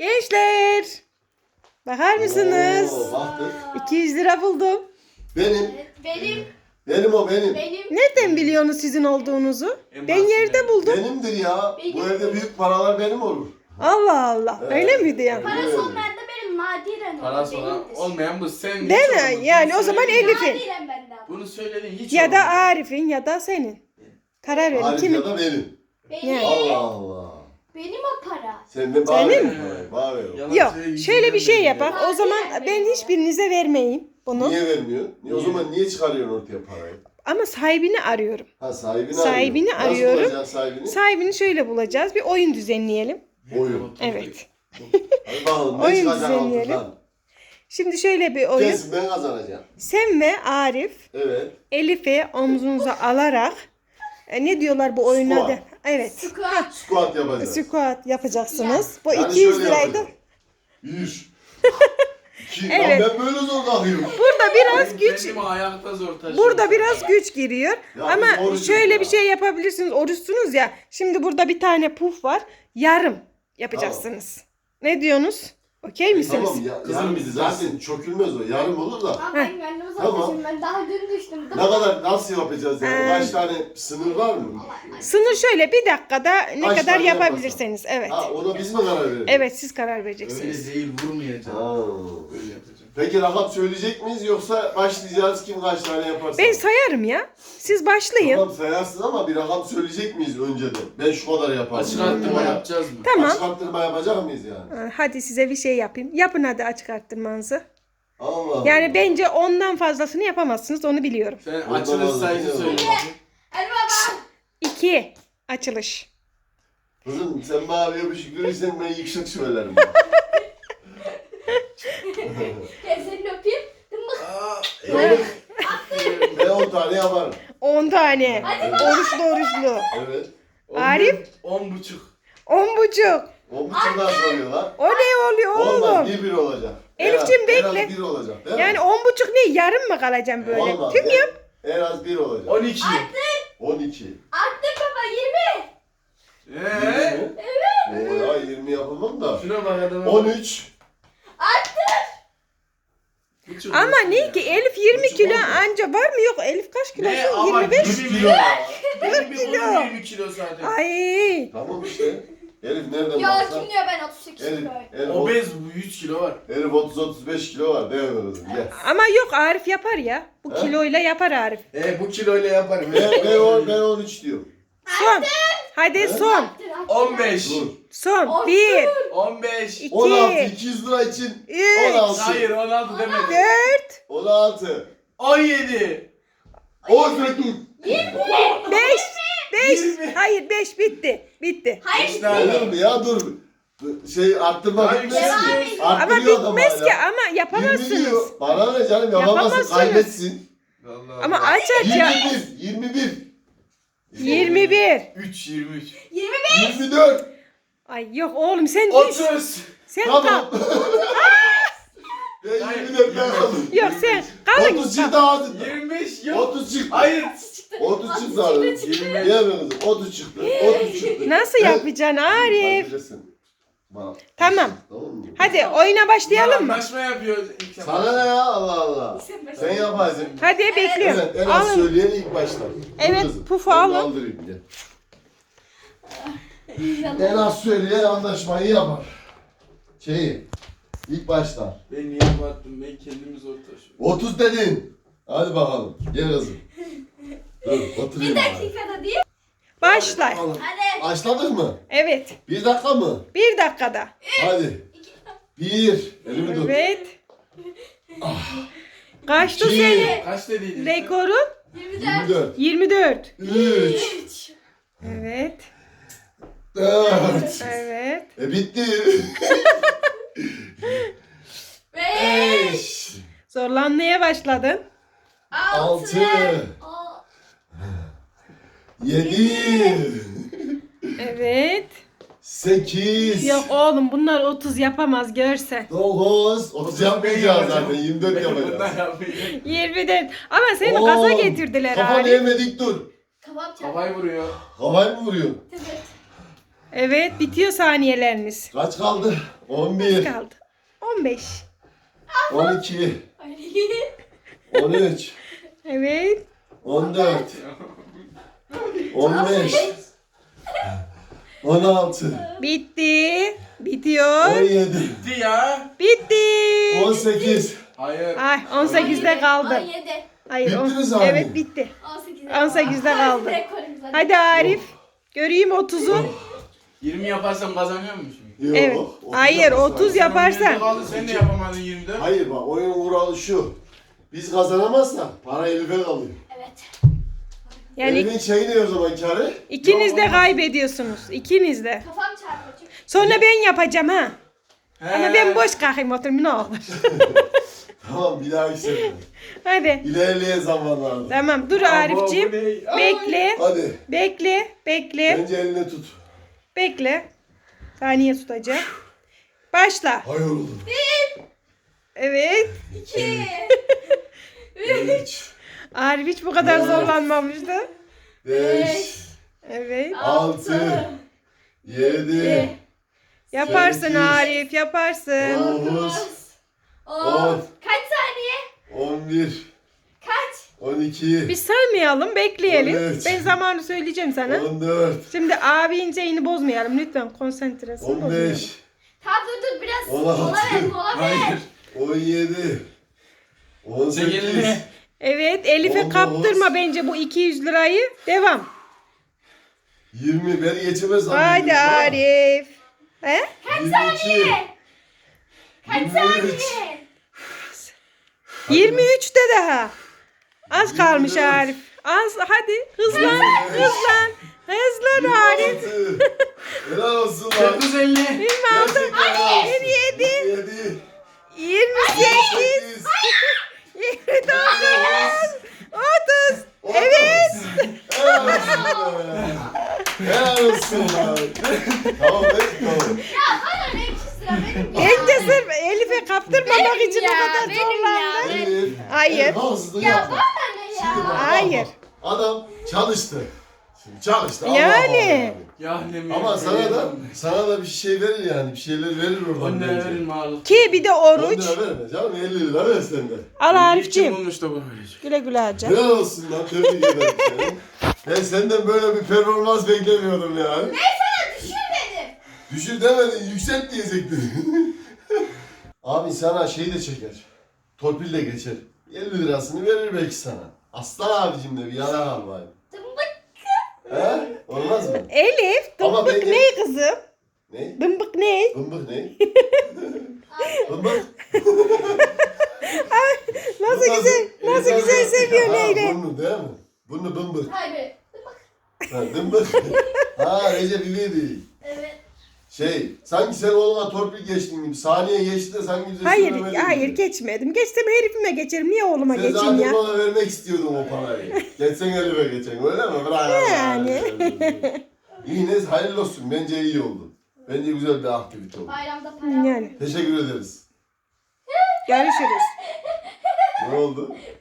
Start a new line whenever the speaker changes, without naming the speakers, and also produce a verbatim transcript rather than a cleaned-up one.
Gençler. Bakar mısınız?
Oo, baktık.
iki yüz lira buldum.
Benim.
Benim,
Benim o benim.
benim.
Nereden biliyorsunuz sizin olduğunuzu?
En
Ben
basitinden.
yerde buldum.
Benimdir ya.
Benim.
Bu evde büyük paralar benim olur.
Allah Allah.
Evet.
Öyle miydi ya?
Parası olmayan da benim nadiren olur.
Parası olan
benimdir.
olmayan bu sen.
Değil
hiç
mi?
olmaz.
Yani
Bunu
o zaman
söyledin.
Elif'in.
Nadiren benden.
Bunu söyledin hiç
Ya da
olmaz.
Arif'in ya da senin. Karar verin.
Arif
Kimin?
ya da benim.
Benim.
Yani.
Allah Allah.
Benim o para.
Sen de bana
Senin
ver
mi?
parayı, bana ver.
Yalan
Yok.
söyle,
Şöyle bir şey
yüzünden
yapak.
belli.
O zaman ben hiçbirinize vermeyeyim bunu.
Niye vermiyor? Niye? O
Niye?
zaman niye çıkarıyorsun ortaya parayı?
Ama sahibini arıyorum.
Ha sahibini,
Sahibini
arıyor.
arıyorum.
Nasıl bulacaksın sahibini?
Sahibini şöyle bulacağız. Bir oyun düzenleyelim.
Oyun.
Evet.
Hadi bakalım ne
Oyun
çıkacak
düzenleyelim.
altından?
Şimdi şöyle bir oyun.
Kesin ben kazanacağım.
Sen ve Arif
Evet.
Elif'i omzunuza alarak e, ne diyorlar bu oyuna
Squat.
da? Evet.
Squat.
Squat yapacağız.
Squat yapacaksınız. Bu
Yani
iki yüz
şöyle
liraydı.
yapacağız. Bir. İki.
Evet.
Lan ben böyle zor kalkıyorum.
Burada biraz
Benim
güç
kendimi ayakta zor taşıyorum.
Burada biraz güç giriyor.
Ya
Ama
biz orucuz
şöyle
ya.
bir şey yapabilirsiniz. Oruçsunuz ya. Şimdi burada bir tane puf var. Yarım yapacaksınız. Ne diyorsunuz? Okey misiniz?
Tamam ya.
Kızım
Yarım
bizi
zaten çökülmez o. Yarım olur da.
Ama ben kendimi
Tamam.
zor Ben daha dün düştüm.
Ne kadar nasıl yapacağız yani?
Ee,
Kaç tane sınır var mı?
Sınır şöyle bir dakikada ne
Kaç
kadar
tane
yapabilirseniz. Evet.
Ha ona biz mi karar verelim?
Evet siz karar vereceksiniz.
Öyle değil vurmayacağım.
Ha.
Öyle yapacağım.
Peki rakam söyleyecek miyiz yoksa başlayacağız kim kaç tane yaparsa?
Ben sayarım ya. Siz başlayın.
Tamam sayarsın ama bir rakam söyleyecek miyiz önceden? Ben şu kadar yaparım.
Açık arttırma yapacağız mı?
Tamam.
Açık arttırma yapacak mıyız yani?
Ha, Hadi size bir şey yapayım. Yapın hadi açık arttırmanızı.
Allah Allah.
Yani bence ondan fazlasını yapamazsınız onu biliyorum.
Sen
Ondan
açılış
aldım,
sayısı
yine
söyle.
Hadi baba.
İki. Açılış.
Kızım sen bana bir şey görürsen ben yüksek söylerim.
Gel seni öpeyim.
Aa,
Evet.
Ben on tane yaparım.
On tane.
Hadi
Oruçlu oruçlu.
Evet.
Arif?
On buçuk.
On buçuk.
On buçuktan soruyorlar.
O ne oluyor
Olmaz
oğlum?
bir bir olacak.
Elifciğim,
En az-
bekle.
En az bir olacak değil
Yani
mi?
on buçuk ne? Yarım mı kalacağım böyle?
Olmaz.
Tüm
En-
yap.
En az bir olacak.
On iki.
On iki.
Arttır baba yirmi.
Eee?
Evet. O ya yirmi yapamam da.
Şuna bak adamı.
On üç.
Buçuk
Ama
olsun
ne
ya.
ki Elif yirmi
Buçuk
kilo
oldu.
anca var mı yok? Elif kaç kilo?
Ne ama
yirmi beş.
yirmi kilo ya. Benim bir
kilo.
kolum yirmi kilo zaten.
Ay.
Tamam işte. Elif nereden
Ya
baksa.
kim diyor ben otuz sekiz
Elif,
kiloyum.
Elif,
Obez bu yüz kilo var.
Elif otuz otuz beş kilo var değil mi kızım? Gel.
Ama yok Arif yapar ya. Bu
He?
kiloyla yapar Arif.
E bu kiloyla yaparım.
Ben, ben, on, ben on üç diyorum.
Son. Hadi son.
Arttır, arttır.
on beş.
Dur.
Son.
Olsun.
Bir.
on beş.
İki.
on altı. iki yüz lira için.
Üç.
on altı.
Hayır on altı demedim.
Dört.
on altı.
on yedi.
on sekiz.
Beş. Beş.
Yirmi.
Hayır beş bitti. Bitti.
Hayır.
Olur mu ya dur. Şey arttırma
Hayır,
bitmez
devam
ki.
edin.
Ama
Arttırıyor adam
bitmez
hala.
ki ama
yirmi
yapamazsınız.
diyor. Bana ne canım yapamazsın
Yapamazsınız.
kaybetsin.
Allah
Ama
Allah.
aç aç ya.
yirmi bir. yirmi bir.
Yirmi bir.
üç yirmi üç.
yirmi beş.
yirmi dört.
Ay yok oğlum sen düş.
otuz.
Sen
Tamam.
kal.
Ben
Hayır,
yirmi dört ben
yirmi beş.
kaldım.
Yok sen kalın.
otuz çıktı ağzından.
yirmi beş yok.
otuz çıktı.
Hayır.
otuz çıktı ağzından.
yirmi beş.
Diğer kızım otuz çıktı. otuz çıktı.
Nasıl
Evet.
yapacaksın Arif?
Bilirsin. Bak.
Tamam.
Tamam mı?
Hadi oyuna başlayalım mı?
Anlaşma yapıyoruz. ilk defa.
Sana ne ya Allah Allah.
Sen başla.
Sen yaparsın.
Hadi bekliyorum.
Evet en az
Alın.
söyleyen ilk başlar.
Evet,
Dur kızım,
pufu
ben de
alın.
aldırayım, gel.
İnşallah.
En az söyleyen anlaşmayı yapar. Şeyi. İlk başlar.
Ben niye battım? Ben kendimi zor taşıyorum.
otuz dedin. Hadi bakalım. Gel kızım. Dur oturayım.
Bir
bari.
dakikada değil.
Başla.
Alın.
Hadi.
Başladık mı?
Evet.
Bir dakika mı?
Bir dakikada.
Hadi. Bir. Elimi tut.
Evet. Kaçtı
İki.
senin
Kaç dediydin? sen?
rekorun?
yirmi
Yirmi
dört.
dört.
yirmi dört.
Üç.
üç.
Evet.
Dört.
Evet.
E bitti.
beş.
Beş.
Zorlanmaya başladın.
Altı.
Aa,
Yedi.
Evet.
Sekiz.
Yok oğlum bunlar otuz yapamaz görsen.
Dokuz. Otuz yapmayacağız zaten. Yirmi dört
Bundan
yapacağız.
yapmayacağım.
yirmi dört. Ama seni
On.
gaza getirdiler
Kafanı
Arif.
yemedik dur.
Kebap çarptı.
Havayı vuruyor.
Havayı mı vuruyorsun?
Evet.
Evet, bitiyor saniyeleriniz.
Kaç kaldı? on
Az
bir,
kaldı. on beş.
on iki,
Ay.
on üç,
Evet.
on dört, on beş, on altı,
Bitti. Bitiyor.
on yedi,
Bitti ya.
Bitti.
on sekiz.
Hayır.
Ay on sekizde kaldı.
on yedi.
Hayır.
Bitti
on-
mi saniye?
Evet bitti.
on sekizde.
on sekizde kaldı.
Rekorumuz hadi.
Hadi Arif. Göreyim otuzu.
yirmi yaparsam kazanıyor musun?
Yok,
Evet.
otuz
Hayır
yaparsan-
otuz
Sen
yaparsan.
kaldı, sen de yapamadın yirmide.
Hayır bak oyun kuralı şu. Biz kazanamazsak para Elif'e kalıyor.
Evet.
Yani
Elif'in şeyi ne o zaman karı?
ikiniz de kaybediyorsunuz. İkiniz de.
Kafam çarpıyor çünkü.
Sonra ben yapacağım ha.
He.
Ama ben boş kalkayım oturayım ne olur.
Tamam bir daha sefer.
Hadi.
İlerleyen zamanlarda.
Tamam dur
Abo,
Arif'ciğim.
bu ne? Ay.
Bekle.
Hadi.
Bekle. Bekle.
Bence eline tut.
Bekle. Saniye tutacağım. Başla.
Hayır oğlum.
Evet.
İki.
üç,
Arif hiç bu kadar zorlanmamıştı.
beş,
Evet.
altı, yedi,
Yaparsın
sekiz,
Arif yaparsın.
dokuz,
On.
on,
Kaç saniye?
on bir,
Kaç?
on iki,
Biz saymayalım bekleyelim.
on üç,
Ben zamanı söyleyeceğim sana.
on dört,
Şimdi abi inceğini bozmayalım lütfen konsantrasını
on
bozmayalım.
beş,
Tamam dur dur biraz
On altı.
mola ver mola ver.
Hayır.
on yedi, on
Sen
sekiz,
elini.
Evet Elif'e
on dokuz.
kaptırma bence bu iki yüz lirayı. Devam.
yirmi. Beni geçemez zannediyorum.
Haydi
ha.
Arif. He?
yirmi iki,
Kaç
yirmi üç,
saniye?
yirmi üçte daha. Az kalmış
yirmi dört.
Arif. Az hadi hızlan hızlan. Hızlan Arif.
yirmi altı. Helal olsun lan.
Dokuz elli.
yirmi altı,
Gerçekten helal olsun.
yirmi yedi,
yedi,
yirmi sekiz,
sekiz,
yirmi dokuz, otuz. Evet.
Helal olsun be. Helal olsun lan. Tamam evet tamam.
Ya bana ne iki sıra benim ya.
Bence sırf Elif'e kaptırmamak
Benim
için
ya,
o kadar
benim
zorlandı.
ya.
Elif,
Hayır.
Elif hızlı
Ya
yapma.
bana ne
Şimdi bak,
ya?
bak,
Hayır.
bak. Adam çalıştı. Şimdi çalıştı. Allah
Yani.
Allah.
Ya ne mi?
Ama sana da sana da bir şey verir yani. Bir şeyler verir oradan.
On lira
bence.
verin mağlup.
Ki bir de
on
oruç.
lira verme canım. elli lira ver sen de.
Al Arif'ciğim.
bulmuş da bu verecek.
Güle güle harca.
Helal olsun lan. Tebrik ederim seni. Ben senden böyle bir performans beklemiyordum yani.
Ben sana düşür dedim.
Düşür demedin, yükselt diyecektin. Abi sana şey de çeker. Torpil de geçer. elli lirasını verir belki sana. Aslan abicim de bir yana kal bari.
Dımbık.
He? Olmaz mı?
Elif,
Ama
dımbık
bence-
ne kızım?
Ne?
Dımbık ne?
Bımbık ne? Bımbık.
Nasıl
Bu
güzel, nasıl güzel seviyor
Ha,
Leyla.
Burnu değil mi? Burnu bımbık.
Hayır. Dımbık.
Ha, dımbık. Ha Recep İvedik.
Evet.
Şey, sanki sen oğluna torpil geçtin gibi. Saniye geçti de sanki bize
Hayır,
söylemedin
hayır
gibi.
geçmedim. Geçsem herifime geçerim. Niye oğluma
Sen
geçeyim
zaten
ya?
ona vermek istiyordun o parayı. Geçsen Elif'e geçen öyle mi? Bravo.
Yani.
İyi neyse hayırlı olsun. Bence iyi oldu. Bence güzel bir aktivite oldu.
Bayramda para.
Yani.
Teşekkür ederiz.
Görüşürüz.
Ne oldu?